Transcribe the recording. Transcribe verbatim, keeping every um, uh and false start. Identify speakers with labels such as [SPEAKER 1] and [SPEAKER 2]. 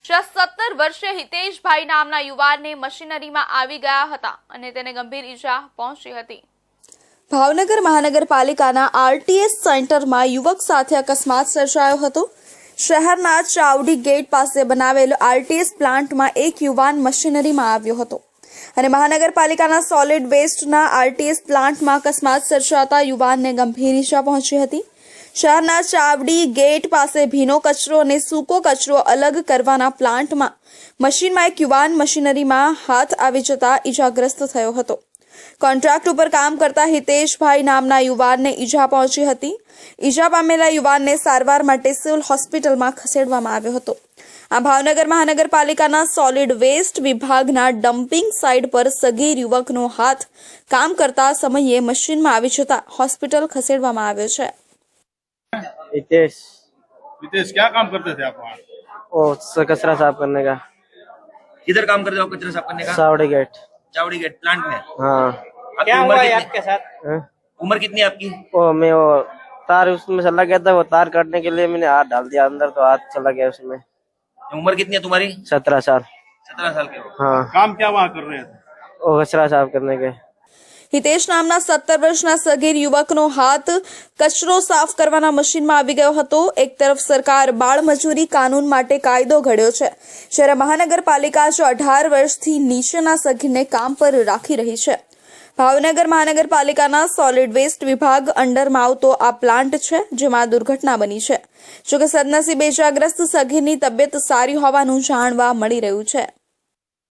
[SPEAKER 1] સત્તર વર્ષીય હિતેશભાઈ નામના યુવાનને મશીનરીમાં આવી ગયા હતા અને તેને ગંભીર ઈજા પહોંચી હતી। ભાવનગર મહાનગરપાલિકાના આરટીએસ સેન્ટરમાં યુવક સાથે અકસ્માત સર્જાયો હતો। શહેરના ચાવડી ગેટ પાસે બનાવેલ આરટીએસ પ્લાન્ટમાં એક યુવાન મશીનરીમાં આવ્યો હતો અને મહાનગરપાલિકાના સોલિડ વેસ્ટના આરટીએસ પ્લાન્ટમાં અકસ્માત સર્જાતા યુવાનને ગંભીર ઈજા પહોંચી હતી। શહેરના ચાવડી ગેટ પાસે ભીનો કચરો અને સૂકો કચરો અલગ કરવાના પ્લાન્ટમાં મશીનમાં એક યુવાન મશીનરીમાં હાથ આવી જતા ઈજાગ્રસ્ત થયો હતો। કોન્ટ્રાક્ટ ઉપર કામ કરતા હિતેશભાઈ નામના યુવાનને ઈજા પહોંચી હતી। ઈજા પામેલા યુવાનને સારવાર માટે સિવિલ હોસ્પિટલમાં ખસેડવામાં આવ્યો હતો। આ ભાવનગર મહાનગરપાલિકાના સોલિડ વેસ્ટ વિભાગના ડમ્પિંગ સાઇટ પર સગીર યુવકનો હાથ કામ કરતા સમયે મશીનમાં આવી જતા હોસ્પિટલ ખસેડવામાં આવ્યો છે।
[SPEAKER 2] हितेश
[SPEAKER 3] हितेश क्या काम करते थे आप वहाँ?
[SPEAKER 2] वो कचरा साफ करने का।
[SPEAKER 4] किधर काम करते हो आप कचरा साफ करने का?
[SPEAKER 2] Chawdi gate.
[SPEAKER 4] Chawdi gate plant में।
[SPEAKER 2] हाँ।
[SPEAKER 4] आपकी
[SPEAKER 5] क्या
[SPEAKER 4] उम्र
[SPEAKER 5] हुआ है
[SPEAKER 4] कितनी?
[SPEAKER 5] आपके साथ?
[SPEAKER 2] है?
[SPEAKER 4] उम्र कितनी है आपकी?
[SPEAKER 2] वो मैं वो तार उसमें चला गया था, वो तार काटने के लिए मैंने हाथ डाल दिया अंदर, तो हाथ चला गया उसमें।
[SPEAKER 4] उम्र कितनी है तुम्हारी?
[SPEAKER 2] सत्रह साल।
[SPEAKER 4] सत्रह साल के हो।
[SPEAKER 2] हाँ।
[SPEAKER 3] काम क्या वहाँ कर रहे थे?
[SPEAKER 2] वो कचरा साफ करने के।
[SPEAKER 1] હિતેશ નામના સત્તર વર્ષના સગીર યુવકનો હાથ કચરો સાફ કરવાના મશીનમાં આવી ગયો હતો। એક તરફ સરકાર બાળ મજૂરી કાનૂન માટે કાયદો ઘડ્યો છે, જ્યારે મહાનગરપાલિકા જો અઢાર વર્ષથી નીચેના સગીરને કામ પર રાખી રહી છે। ભાવનગર મહાનગરપાલિકાના સોલિડ વેસ્ટ વિભાગ અંડરમાં આવતો આ પ્લાન્ટ છે, જેમાં દુર્ઘટના બની છે। જોકે સદનસીબે ઇજાગ્રસ્ત સગીરની તબિયત સારી હોવાનું જાણવા મળી રહ્યું છે।